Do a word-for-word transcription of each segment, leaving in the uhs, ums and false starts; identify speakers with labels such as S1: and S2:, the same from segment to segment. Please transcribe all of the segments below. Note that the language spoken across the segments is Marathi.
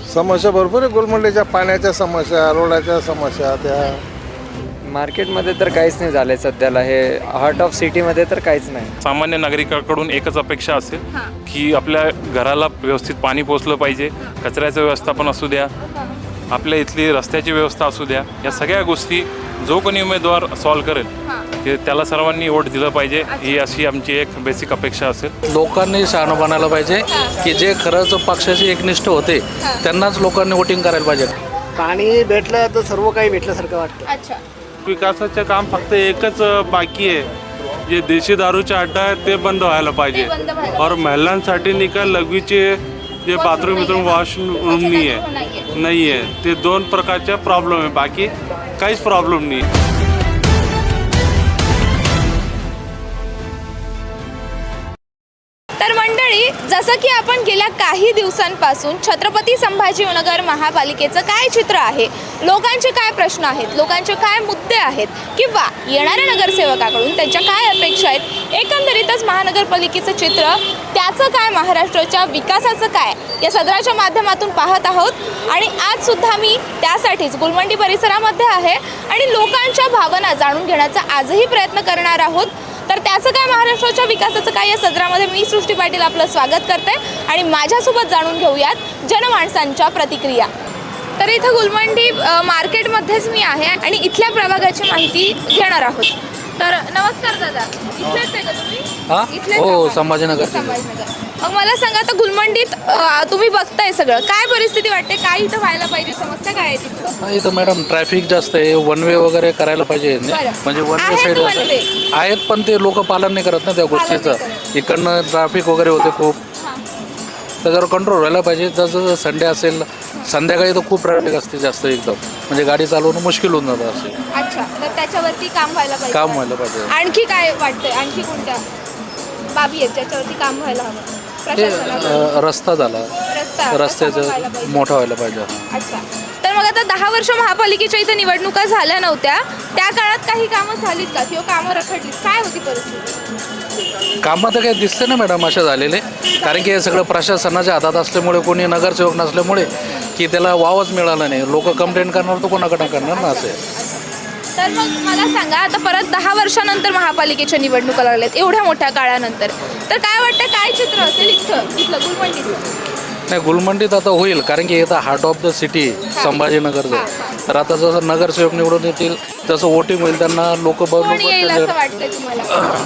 S1: समस्या भरपूर आहे. गुलमंडीच्या पाण्याच्या समस्या, रोडाच्या समस्या, त्या
S2: मार्केटमध्ये तर काहीच नाही झालं आहे सध्याला. हे हार्ट ऑफ सिटीमध्ये तर काहीच नाही.
S3: सामान्य नागरिकाकडून एकच अपेक्षा असेल की आपल्या घराला व्यवस्थित पाणी पोचलं पाहिजे, कचऱ्याचं व्यवस्थापन असू द्या, आपल्या इथली रस्त्याची व्यवस्था असू द्या. या सगळ्या गोष्टी जो कोणी उमेदवार सॉल्व करेल की त्याला सर्वांनी वोट दिलं पाहिजे, ही अशी आमची एक बेसिक अपेक्षा असेल.
S4: लोकांनी शहाणं बनायला पाहिजे की जे खरंच पक्षाची एकनिष्ठ होते त्यांनाच लोकांनी वोटिंग करायला पाहिजे.
S5: पाणी भेटलं तर सर्व काही भेटल्यासारखं वाटतं.
S6: अच्छा.
S7: विकासाचं काम फक्त एकच बाकी आहे, जे देशी दारूचे अड्डा आहेत ते बंद व्हायला पाहिजे.
S6: ते बंद व्हायला
S7: और महिलांसाठी निकाल लघवीचे जे बाथरूम बिथरूम वॉशरूम नाही आहे नाही आहे ते दोन प्रकारच्या प्रॉब्लेम आहे, बाकी काहीच प्रॉब्लेम नाही.
S6: तर मंडळी, जसं की आपण गेल्या काही दिवसांपासून छत्रपती संभाजीनगर महापालिकेचं काय चित्र आहे, लोकांचे काय प्रश्न आहेत, लोकांचे काय मुद्दे आहेत किंवा येणाऱ्या नगरसेवकाकडून त्यांच्या काय अपेक्षा आहेत, एकंदरीतच महानगरपालिकेचं चित्र, त्याचं काय, महाराष्ट्राच्या विकासाचं काय, या सदराच्या माध्यमातून पाहत आहोत. आणि आजसुद्धा मी त्यासाठीच गुलमंडी परिसरामध्ये आहे आणि लोकांच्या भावना जाणून घेण्याचा आजही प्रयत्न करणार आहोत. तर त्याचं काय, महाराष्ट्राच्या विकासाचं काय, या सदरामध्ये मी सृष्टी पाटील आपलं स्वागत करते आणि माझ्यासोबत जाणून घेऊयात जनमानसांच्या प्रतिक्रिया. तर इथं गुलमंडी मार्केटमध्येच मी आहे आणि इथल्या प्रभागाची माहिती घेणार आहोत. तर नमस्कार दादा, इथलेच आहे का तुम्ही?
S4: हां
S6: इथलेच
S4: हो,
S6: आहात?
S4: संभाजीनगर.
S6: संभाजीनगर. मग मला सांगा, आता गुलमंडीत अ, तुम्ही बघताय सगळं, काय परिस्थिती वाटते, काय इथं व्हायला पाहिजे, समस्या काय आहे तिथं?
S4: इथं मॅडम ट्रॅफिक जास्त आहे, वन वे वगैरे करायला पाहिजे.
S6: बरं.
S4: म्हणजे वन वे
S6: आहेत
S4: साईड
S6: one way.
S4: आहेत, पण ते लोक पालन नाही करत ना त्या गोष्टीचं. इकडनं ट्रॅफिक वगैरे होते खूप, त्याच्यावर कंट्रोल व्हायला पाहिजे. जसं संडे असेल, संध्याकाळी तर खूप ट्रॅफिक असते जास्त एकदम, म्हणजे गाडी चालवणं मुश्किल होऊन जातं असे.
S6: अच्छा, तर त्याच्यावरती काम व्हायला पाहिजे.
S4: काम व्हायला पाहिजे.
S6: आणखी काय वाटतंय, आणखी कोणत्या बाबी आहेत ज्याच्यावरती काम व्हायला हवं?
S4: ते
S6: प्रशासनाकडून
S4: अ, रस्ता झाला,
S6: रस्ता
S4: रस्त्याचं
S6: व्हायला पाहिजे.
S4: मोठा व्हायला पाहिजे.
S6: अच्छा, तर मग आता दहा वर्ष महापालिकेच्या इथे निवडणुका झाल्या नव्हत्या, त्या काळात काही कामं झालीत का किंवा कामं रखडलीत, काय होती परिस्थिती?
S4: कामं तर काही दिसते ना मॅडम असे झालेले, कारण की हे सगळं प्रशासनाच्या हातात असल्यामुळे, कोणी नगरसेवक नसल्यामुळे की त्याला वावच मिळाला नाही. लोक कंप्लेंट करणार तर कोणाकडे करणार ना असे.
S6: तर मग मला सांगा, आता परत दहा वर्षानंतर महापालिकेच्या निवडणुका लागल्यात, एवढ्या मोठ्या काळानंतर, तर काय वाटतं, काय चित्र असेल इथं इथलं गुलमंडीचं?
S4: नाही, गुलमंडीत आता होईल, कारण की इथं हार्ट ऑफ द सिटी संभाजीनगरचं. तर आता जसं नगरसेवक निवडून येतील तसं वोटिंग होईल, त्यांना लोक
S6: कोण येईल असं
S4: बरोबर.
S6: वाटतंय तुम्हाला?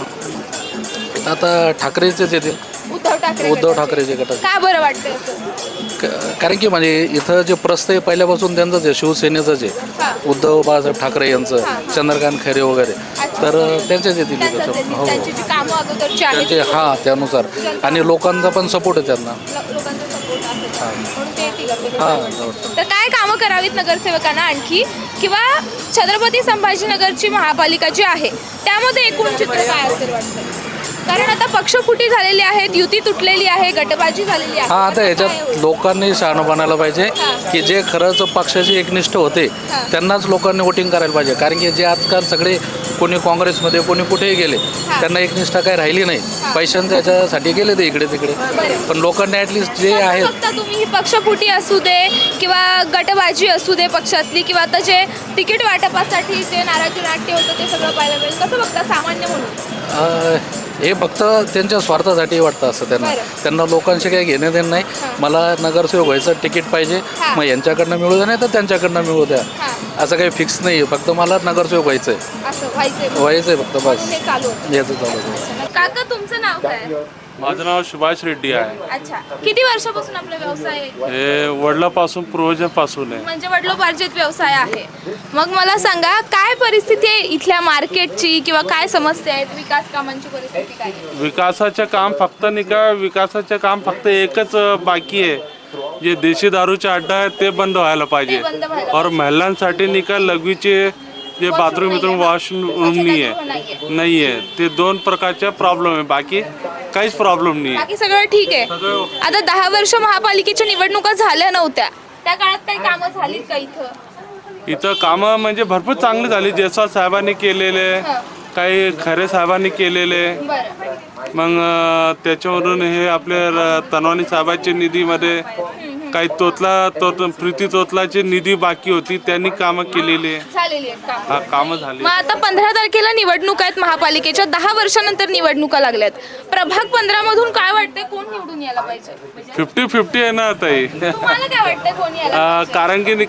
S4: आता ठाकरेचेच येतील,
S6: उद्धव ठाकरे
S4: उद्धव
S6: गटाचे.
S4: ठाकरेचे गटाचे.
S6: का बरं वाटतंय असं?
S4: क- कारण की म्हणजे इथं जे प्रस्थ आहे पहिल्यापासून त्यांचंच आहे, शिवसेनेचंच आहे, उद्धव बाळासाहेब ठाकरे यांचं, चंद्रकांत खैरे वगैरे, तर त्यांचेच येतील
S6: त्यांचं
S4: इथं.
S6: त्यांनी-
S4: हो,
S6: त्यांची जी कामं अगोदरची आहेत,
S4: त्यांचे हां त्यानुसार, आणि लोकांचा पण सपोर्ट आहे त्यांना.
S6: लो- लोकांचा सपोर्ट आहे म्हणून ते येतील आपल्या
S4: हां,
S6: बरोबर. तर काय कामं करावीत नगरसेवकांना आणखी, किंवा छत्रपती संभाजीनगरची महापालिका जी आहे त्यामध्ये एकूण चित्र काय असेल वाटतं? कारण आता पक्षफुटी झालेली आहेत, युती तुटलेली आहे, गटबाजी झालेली आहे.
S4: हां, आता
S6: काय
S4: ह्याच्यात
S6: होईल?
S4: लोकांनी शहाणं बनायला पाहिजे की जे खरंच पक्षाची एकनिष्ठ होते त्यांनाच लोकांनी वोटिंग करायला पाहिजे. कारण की जे आजकाल सगळे कोणी काँग्रेसमध्ये, कोणी कुठेही गेले, त्यांना एकनिष्ठा काही राहिली नाही. पैशांच्या याच्यासाठी गेले ते इकडे तिकडे, पण लोकांनी ॲटलिस्ट जे
S6: कसं
S4: आहेत.
S6: बघता तुम्ही, ही पक्षफुटी असू दे किंवा गटबाजी असू दे पक्षातली, किंवा आता जे तिकीट वाटपासाठी जे नाराजी नाट्य होतं ते सगळं पाहायला मिळेल, कसं बघता सामान्य म्हणून?
S4: अं, हे फक्त त्यांच्या स्वार्थासाठी वाटतं असं त्यांना.
S6: बरं.
S4: त्यांना लोकांशी काही घेणं देणं नाही. मला नगरसेवक व्हायचं तिकीट पाहिजे,
S6: हां.
S4: मग यांच्याकडनं मिळू द्या, नाही तर त्यांच्याकडनं मिळू द्या.
S6: हां.
S4: असं काही फिक्स नाही आहे, फक्त मला नगरसेवक व्हायचं आहे,
S6: असं व्हायचंय
S4: व्हायचं आहे फक्त, बस
S6: हे चालू होतं.
S4: याचं चालू आहे.
S6: काका, तुमचं नाव काय?
S7: माझं नाव सुभाष रेड्डी आहे.
S6: अच्छा, किती वर्षापासून आपला व्यवसाय आहे?
S7: हे वडिलापासून पूर्वजांपासून आहे.
S6: म्हणजे वडिलोपार्जित व्यवसाय आहे. मग मला सांगा, काय परिस्थिती आहे इथल्या मार्केटची, किंवा काय समस्या आहेत, विकास कामांची परिस्थिती काय आहे?
S7: विकासाचं काम फक्त नाही का विकासाचं काम फक्त एकच बाकी आहे, जे देशी दारूचे अड्डा आहेत ते बंद व्हायला पाहिजे.
S6: ते बंद व्हायला
S7: और महिलांसाठी निकाल लघवीचे जे बाथरूम बिथरूम वॉशरूम नाही आहे नाही आहे ते दोन प्रकारच्या प्रॉब्लेम आहे, बाकी काहीच प्रॉब्लेम नाही आहे.
S6: बाकी सगळं ठीक आहे.
S7: सगळं
S6: आता दहा वर्ष महापालिकेच्या निवडणुका झाल्या नव्हत्या, त्या काळात काही कामं झालीत का इथं?
S7: इथं कामं म्हणजे भरपूर चांगली झाली. जयस्वाल साहेबांनी केलेले, काही खरे साहेबांनी केलेले,
S6: बरं.
S7: मग अं, त्याच्यावरून हे आपले र- तनवानी साहेबांच्या निधीमध्ये काही तोतला तोत प्रीती तोतलाची निधी बाकी होती, त्यांनी कामं केलेली आहे.
S6: झालेली आहेत कामं.
S7: हा कामं झाली.
S6: मग आता पंधरा तारखेला निवडणूक आहेत महापालिकेच्या, दहा वर्षानंतर निवडणुका लागल्यात. प्रभाग पंधरा मधून काय वाटतंय कोण निवडून यायला पाहिजे?
S7: फिफ्टी फिफ्टी आहे ना आता हे.
S6: तुम्हाला काय वाटतंय कोण यायला
S7: अं,
S6: पाहिजे?
S7: कारण की नाही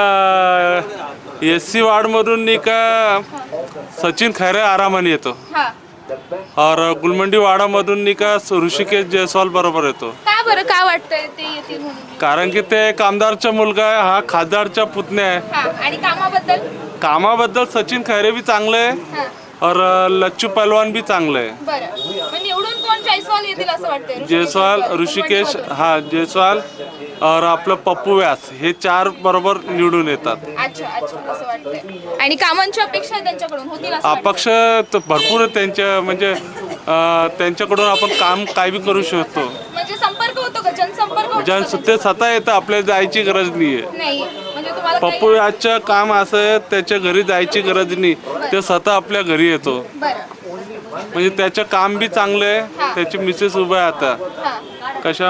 S7: का एस सी वार्डमधून नाही का सचिन खैरे आरामाने येतो,
S6: हा.
S7: और गुलमंडी वाडामधून नाही का ऋषिकेश जयस्वाल बरोबर येतो.
S6: का बरं काय वाटतंय ते येतील म्हणून?
S7: कारण की ते एक आमदारचा मुलगा आहे, हा खासदारचा पुतण्या आहे.
S6: हा. आणि कामाबद्दल?
S7: कामाबद्दल सचिन खैरे भी चांगले आहे
S6: हा.
S7: और लच्चू पहलवान भी चांगले आहे.
S6: बरं. मग निवडून कोण जयस्वाल येतील असं वाटतंय? ऋषिकेश
S7: जयस्वाल ऋषिकेश
S6: गुलमंडीमधून.
S7: हा जयस्वाल और आपलं पप्पू व्यास हे चार बरोबर निवडून येतात.
S6: अच्छा अच्छा असं वाटतंय. आणि कामांची अपेक्षा त्यांच्याकडून होतील असं वाटतंय?
S7: अपक्ष तर भरपूर आहे त्यांच्या, म्हणजे अं, त्यांच्याकडून आपण काम काय बी करू शकतो.
S6: म्हणजे संपर्क होतो का? जनसंपर्क होतो
S7: ज्या
S6: का?
S7: ते स्वतः येतं, आपल्याला जायची गरज नाही आहे.
S6: नाही म्हणजे तुम्हाला काही-
S7: पप्पू व्यासचं काम असं आहे, त्याच्या घरी जायची गरज नाही, ते स्वतः आपल्या घरी येतो.
S6: बरं.
S7: म्हणजे त्याचं काम बी चांगलं आहे. त्याची मिसेस उभं आहे आता
S6: हा.
S7: कशा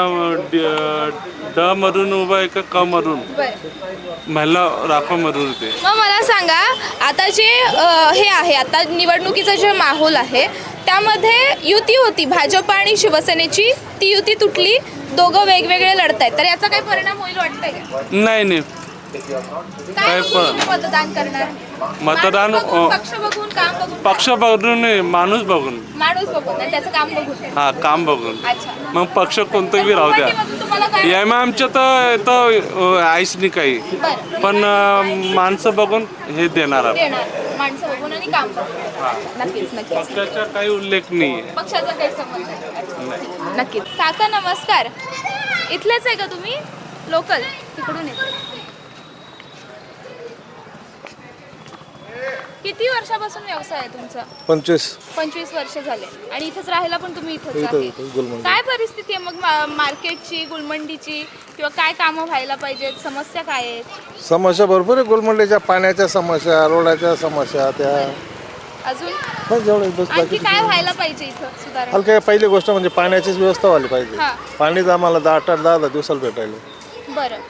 S7: ड मधून उभं आहे का क मधून
S6: बरं.
S7: महिला राखोमधून ते.
S6: मग मला सांगा आता जे अ, हे आहे आता निवडणुकीचा जे माहोल आहे त्यामध्ये युती होती भाजप आणि शिवसेनेची, ती युती तुटली, दोघं वेगवेगळे लढतायत, तर याचा काही परिणाम होईल वाटतंय का?
S7: नाही नाही
S6: काय
S7: काय
S6: बघून
S7: पण-
S6: तुम्ही मतदान करणार?
S7: मतदान
S6: माणूस बघून,
S7: अ,
S6: पक्ष बघून, काम बघून?
S7: पक्ष बघून नाही, माणूस बघून.
S6: माणूस बघून आणि त्याचं काम बघून.
S7: हा काम बघून.
S6: अच्छा.
S7: मग पक्ष कोणतं बी राहू द्या.
S6: गुलमंडीमधून तुम्हाला काय?
S7: एम आमच्या तर तर आईस नाही काही,
S6: बरं.
S7: पण अं, माणसं बघून हे देणार आपण.
S6: देणार माणसं बघून आणि काम बघून. नक्कीच नक्कीच.
S7: पक्षाचा काही उल्लेख नाही आहे.
S6: पक्षाचा काही संबंध नाही. नक्कीच. काका नमस्कार, इथलेच आहे का तुम्ही? लोकल तिकडून येतो. किती वर्षापासून व्यवसाय आहे तुमचा?
S1: पंचवीस.
S6: पंचवीस वर्ष झाले आणि इथंच राहायला पण तुम्ही इथंच
S1: इथं-
S6: आहे.
S1: इथं गुलमंडी.
S6: काय परिस्थिती आहे मग मा- मार्केटची, गुलमंडीची, किंवा काय कामं व्हायला पाहिजेत, समस्या काय आहेत
S1: समस्या भरपूर आहे. गुलमंडीच्या पाण्याच्या समस्या, रोडाच्या समस्या, त्या
S6: अजून?
S1: बस जेवढं बस
S6: आणखी
S1: बाकी
S6: काय व्हायला पाहिजे इथं सुधारणा?
S1: हलक्या पहिली गोष्ट म्हणजे पाण्याचीच व्यवस्था व्हायला पाहिजे.
S6: हा.
S1: पाणीच आम्हाला दहा आठ आठ दहा दहा दिवसाला भेटायला.
S6: बरं.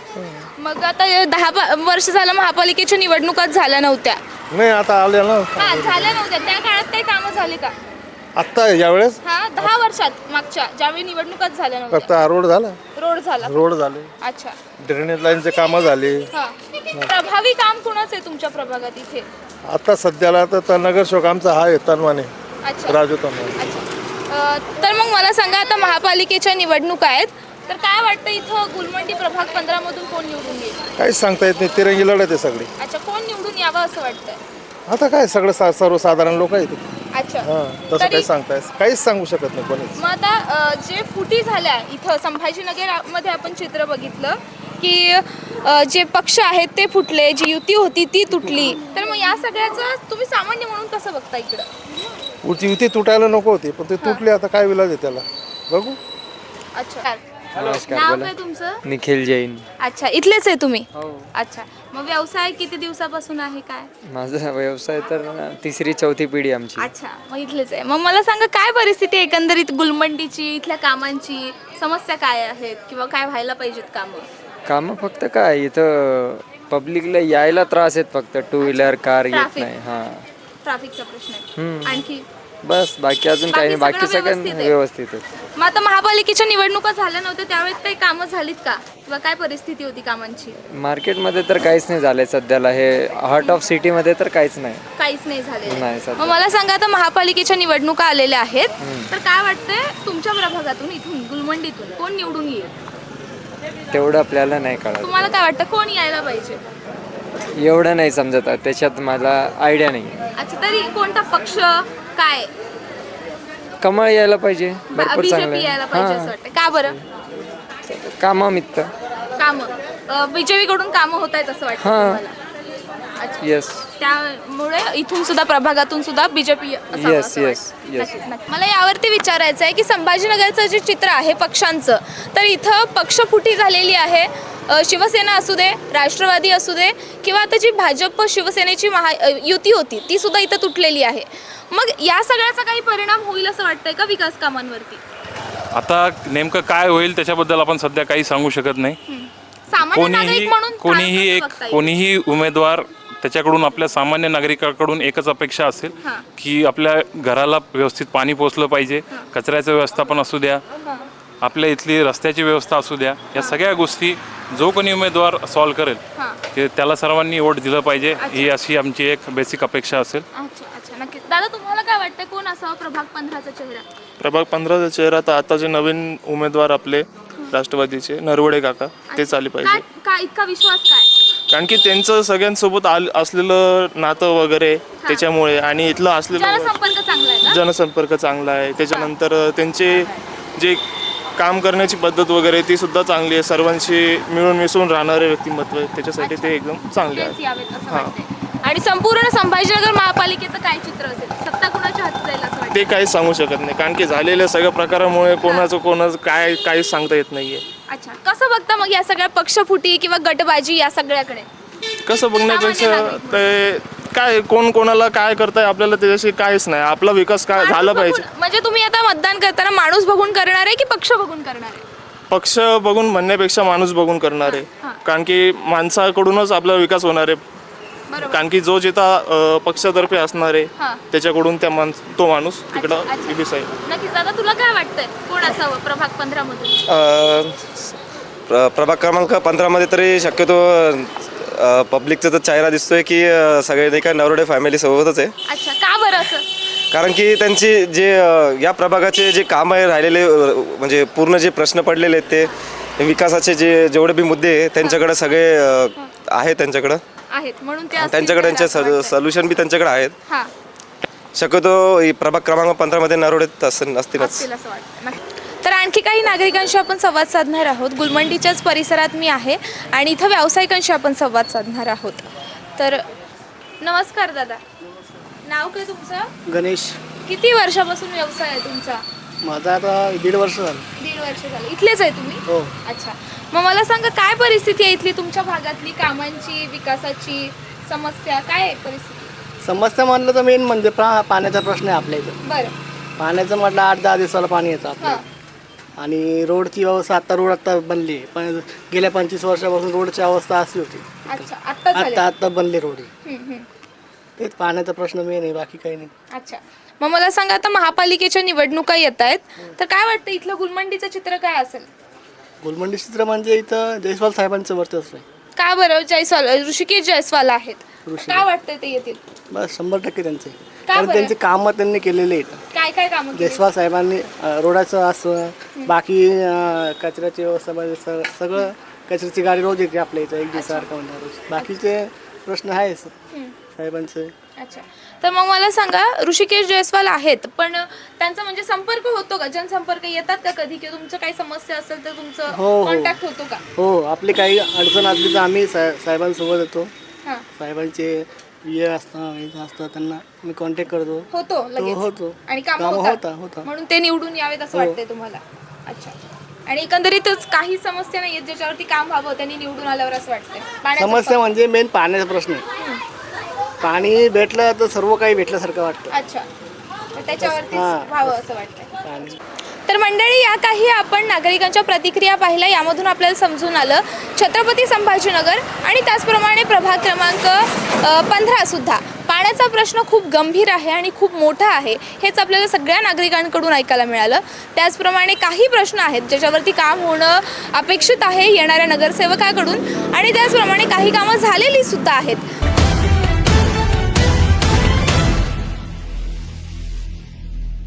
S6: मग आता हे दहा बा- वर्ष झालं महापालिकेच्या निवडणुकाच झाल्या नव्हत्या.
S1: नाही आता आले ना
S6: हा झाल्या नव्हत्या, त्या काळात काही कामं झाली का?
S1: आत्ता यावेळेस
S6: हा दहा वर्षात मागच्या ज्यावेळी निवडणुकाच झाल्या नव्हत्या.
S1: फक्त हा रोड झाला,
S6: रोड झाला.
S1: रोड झाले,
S6: अच्छा.
S1: ड्रेनेज लाईनचे कामं झाली.
S6: हा. प्रभावी काम कोणाचं आहे तुमच्या प्रभागात इथे?
S1: आता सध्याला तर त- नगरसेवक आमचा हा आहे तनवाने,
S6: अच्छा
S1: राजू तनवाने.
S6: अच्छा. अ, तर मग मला सांगा आता महापालिकेच्या निवडणुका आहेत, तर काय वाटतं इथं गुलमंडी प्रभाग पंधरा मधून कोण निवडून येईल?
S1: काहीच सांगता येत नाही, तिरंगी लढत आहे सगळी.
S6: अच्छा, कोण निवडून यावं असं वाटतंय?
S1: आता काय सगळं सा सर्वसाधारण लोक आहेत.
S6: अच्छा.
S1: हां तसं
S6: तरी-
S1: काही सांगता येत काहीच सांगू शकत नाही कोणीच.
S6: मग आता अ, जे फुटी झाल्या इथं संभाजीनगर मध्ये आपण चित्र बघितलं की अ, जे पक्ष आहेत ते फुटले, जी युती होती ती तुटली, तर मग या सगळ्याचं तुम्ही सामान्य म्हणून कसं बघता इकडं?
S1: उलटी युती तुटायला नको होती पण ते तुटली, आता काय विलाज आहे त्याला बघू.
S6: अच्छा.
S2: नमस्कार,
S6: नाव
S2: बोला.
S6: काय तुमचं?
S2: निखिल जैन.
S6: अच्छा, इथलेच आहे तुम्ही?
S2: हो.
S6: अच्छा. मग व्यवसाय किती दिवसापासून आहे काय?
S2: माझा व्यवसाय तर तिसरी चौथी पिढी आमची.
S6: अच्छा, मग इथलेच आहे. मग मला सांगा काय परिस्थिती आहे एकंदरीत गुलमंडीची, इथल्या कामांची, समस्या काय आहेत किंवा काय व्हायला पाहिजेत कामं?
S2: कामं फक्त काय इथं पब्लिकला यायला त्रास आहेत, फक्त टू व्हीलर कार येत
S6: Traffic.
S2: नाही. हां
S6: ट्रॅफिकचा प्रश्न आहे.
S2: हम्म.
S6: आणखी
S2: बस बाकी अजून काही नाही,
S6: बाकी
S2: बाकी
S6: सगळं
S2: सगळं
S6: व्यवस्थित आहे.
S2: व्यवस्थित आहे.
S6: मग आता महापालिकेच्या निवडणुका झाल्या नव्हत्या त्यावेळेस काही कामं झालीत का किंवा काय परिस्थिती होती कामांची?
S2: मार्केटमध्ये तर काहीच नाही झालंय सध्याला, हे हार्ट ऑफ सिटीमध्ये तर काहीच नाही.
S6: काहीच नाही झालेलं
S2: नाही
S6: आहे.
S2: सध्या.
S6: मग मला सांगा आता महापालिकेच्या निवडणुका आलेल्या आहेत, तर काय वाटतंय तुमच्या प्रभागातून इथून गुलमंडीतून कोण निवडून येईल?
S2: तेवढं आपल्याला नाही कळत,
S6: तुम्हाला काय वाटतं कोण यायला पाहिजे?
S2: एवढं नाही समजत आहे. त्याच्यात मला आयडिया नाही.
S6: अच्छा, तरी कोणता पक्ष काय?
S2: कमळ यायला पाहिजे, भरपूर
S6: बीजेपी
S2: चांगलं
S6: यायला पाहिजे असं वाटतं. का बरं?
S2: कामामित्त.
S6: कामं बीजेपी कडून कामं होत आहेत असं वाटतं
S2: हां.
S6: तुम्हाला? अच्छा.
S2: येस
S6: त्यामुळे इथून सुद्धा प्रभागातून सुद्धा बीजेपी
S2: Yes, yes, yes.
S6: मला यावरती विचारायचं आहे की संभाजीनगरचं जे चित्र आहे पक्षांचं, तर इथं पक्षफुटी झालेली आहे. अ, शिवसेना असू दे, राष्ट्रवादी असू दे, किंवा आता जी भाजप शिवसेनेची महा अ, युती होती ती सुद्धा इथं तुटलेली आहे. मग या सगळ्याचा काही परिणाम होईल असं वाटतंय का विकास कामांवरती?
S3: आता नेमकं काय होईल त्याच्याबद्दल आपण सध्या काही सांगू शकत नाही.
S6: सामान्य
S3: कोणीही
S6: नागरिक म्हणून काय
S3: कोणीही
S6: कसं
S3: एक
S6: बघता येईल?
S3: कोणीही उमेदवार त्याच्याकडून आपल्या सामान्य नागरिकाकडून एकच अपेक्षा असेल
S6: हां.
S3: की आपल्या घराला व्यवस्थित पाणी पोचलं पाहिजे, कचऱ्याचं व्यवस्थापन असू द्या, आपल्या इथली रस्त्याची व्यवस्था असू द्या, या सगळ्या गोष्टी जो कोणी उमेदवार सॉल्व्ह करेल
S6: हां.
S3: ते त्याला सर्वांनी वोट दिलं पाहिजे, ही अशी आमची एक बेसिक अपेक्षा असेल.
S6: अच्छा अच्छा नक्कीच. दादा तुम्हाला काय वाटतं कोण असावं प्रभाग पंधराचा चेहरा?
S8: प्रभाग पंधराचा चेहरा तर आता जे नवीन उमेदवार आपले राष्ट्रवादीचे नरवडे काका तेच आले
S6: काय
S8: पाहिजे.
S6: काय इतका विश्वास काय?
S8: कारण की त्यांचं सगळ्यांसोबत आल असलेलं नातं वगैरे त्याच्यामुळे आणि इथलं असलेलं
S6: जनसंपर्क चांगला आहे का?
S8: जनसंपर्क चांगला आहे. त्याच्यानंतर त्यांचे जे काम करण्याची पद्धत वगैरे ती सुद्धा चांगली आहे. सर्वांशी मिळून मिसळून राहणारे व्यक्तिमत्व आहे, त्याच्यासाठी ते एकदम चांगले
S6: तेच
S8: आहे.
S6: यावेत असं
S8: हां.
S6: वाटतंय. आणि संपूर्ण संभाजीनगर महापालिकेचं काय चित्र असेल? सत्ता कुणाच्या हाती जाईल असं वाटतं?
S8: ते काहीच सांगू शकत नाही, कारण की झालेल्या सगळ्या प्रकारामुळे कोणाचं कोणाचं काय काहीच सांगता येत नाहीये.
S6: अच्छा कसं बघता मग या सगळ्या पक्षफुटी किंवा गटबाजी या सगळ्याकडे?
S8: कसं बघण्यापेक्षा
S6: सामान्य नागरिक
S8: ते काय कोण कोणाला काय करताय आपल्याला त्याच्याशी काहीच नाही. आपला विकास काय झाला
S6: माणूस
S8: पाहिजे.
S6: बघून- म्हणजे तुम्ही आता मतदान करताना माणूस बघून करणार आहे की पक्ष बघून करणार आहे?
S8: पक्ष बघून म्हणण्यापेक्षा माणूस बघून करणार आहे, कारण की माणसाकडूनच आपला विकास होणार आहे.
S6: बरोबर.
S8: कारण की जो जिथं अ, पक्षातर्फे असणार आहे
S6: हां.
S8: त्याच्याकडून त्या माणस तो माणूस तिकडं
S6: अच्छा, अच्छा.
S8: दिसेल.
S6: नक्कीच. दादा तुला काय वाटतंय कोण असावं प्रभाग पंधरा मधून?
S9: अ, प्र प्रभाग क्रमांक पंधरामध्ये तरी शक्यतो अ, पब्लिकचा तर चेहरा दिसतोय की अ, सगळे नाही का नरवडे फॅमिली सोबतच आहे.
S6: अच्छा का बरं असं?
S9: कारण की त्यांची जे अ, या प्रभागाचे जे काम आहे राहिलेले अ, म्हणजे पूर्ण जे प्रश्न पडलेले आहेत ते विकासाचे जे जेवढे बी मुद्दे आहे त्यांच्याकडे सगळे अ, आहेत त्यांच्याकडं
S6: आहेत म्हणून ते असतील
S9: त्यांच्याकडे
S6: तर असं
S9: त्यांचे
S6: वाटतंय.
S9: सोल्युशन बी त्यांच्याकडे आहेत.
S6: हां.
S9: शक्यतो ही प्रभाग क्रमांक पंधरामध्ये नरवडे असतील असतीलच.
S6: असतील असं वाटतं. नक्की. तर आणखी काही नागरिकांशी आपण संवाद साधणार आहोत. गुलमंडीच्याच परिसरात मी आहे आणि इथं व्यावसायिकांशी आपण संवाद साधणार आहोत. तर नमस्कार दादा, नाव काय तुमचं?
S5: गणेश.
S6: किती वर्षापासून व्यवसाय आहे तुमचा?
S5: माझा आता दीड वर्ष झालं.
S6: दीड वर्ष झालं. इथलेच आहे तुम्ही?
S5: हो.
S6: अच्छा. मग मला सांगा काय परिस्थिती आहे इथली तुमच्या भागातली, कामांची, विकासाची समस्या काय आहे परिस्थिती?
S5: समस्या म्हणलं तर मेन म्हणजे प्रा पाण्याचा प्रश्न आहे आपल्या इथं.
S6: बरं.
S5: पाण्याचं म्हटलं आठ दहा दिवसाला पाणी येतं आपल्या
S6: हां.
S5: इथं. आणि रोडची व्यवस्था आता रोड आता बनली आहे, पण गेल्या पंचवीस वर्षापासून रोडची अवस्था अशी होती.
S6: अच्छा आत्ता झाले.
S5: आता आता बनले रोड.
S6: हम्म, हम्म.
S5: तेच पाण्याचा प्रश्न मेन आहे, बाकी काही नाही.
S6: अच्छा. मग मला सांगा आता महापालिकेच्या निवडणुका येत आहेत तर काय वाटतं इथलं गुलमंडीचं चित्र काय असेल?
S5: गुलमंडी चित्र म्हणजे इथं जयस्वाल साहेबांचं वर्चस्व आहे.
S6: का बरं? जयस्वाल ऋषिकेश जयस्वाल आहेत.
S5: ऋषिकेश.
S6: काय वाटतंय ते येतील?
S5: बस शंभर टक्के त्यांचे,
S6: का
S5: कारण
S6: बरं?
S5: त्यांचे कामं त्यांनी केलेले आहेत.
S6: काय काय काम
S5: जयस्वाल साहेबांनी अ, रोडाचं असं बाकी अ, कचऱ्याची व्यवस्था म्हणजे स- सगळं कचऱ्याची गाडी रोज येते आपल्या इथं एक दिवसासारखं म्हणजे रोज. बाकीचे प्रश्न आहेच साहेबांचे.
S6: अच्छा. तर मग मला सांगा ऋषिकेश जयस्वाल आहेत पण त्यांचा म्हणजे संपर्क होतो का? जनसंपर्क येतात का कधी किंवा तुमचं काही समस्या असेल तर
S5: हो,
S6: तुमचं
S5: हो.
S6: कॉन्टॅक्ट होतो का?
S5: हो, आपली काही अडचण असली तर आम्ही साहे साहेबांसोबत येतो.
S6: हां.
S5: साहेबांचे हे असतं हे असतं त्यांना मी कॉन्टॅक्ट करतो.
S6: होतो लगेच
S5: होतो.
S6: आणि काम
S5: कामं
S6: होतात
S5: होता- होता.
S6: म्हणून ते निवडून यावेत असं
S5: हो.
S6: वाटतंय तुम्हाला? अच्छा. आणि एकंदरीतच काही समस्या नाही आहेत ज्याच्यावरती काम व्हावं त्यांनी निवडून आल्यावर असं वाटतंय? पाण्याचं
S5: समस्या म्हणजे मेन पाण्याचा प्रश्न आहे. पाणी भेटलं तर सर्व काही भेटल्यासारखं वाटतं.
S6: अच्छा. तर त्याच्यावरती
S5: हां.
S6: व्हावं असं वाटतंय.
S5: पाणी
S6: तर मंडळी या काही आपण नागरिकांच्या प्रतिक्रिया पाहिल्या, यामधून आपल्याला समजून आलं छत्रपती संभाजीनगर आणि त्याचप्रमाणे प्रभाग क्रमांक पंधरा सुद्धा पाण्याचा प्रश्न खूप गंभीर आहे आणि खूप मोठा आहे हेच आपल्याला सगळ्या नागरिकांकडून ऐकायला मिळालं. त्याचप्रमाणे काही प्रश्न आहेत ज्याच्यावरती काम होणं अपेक्षित आहे येणाऱ्या नगरसेवकाकडून आणि त्याचप्रमाणे काही कामं झालेली सुद्धा आहेत.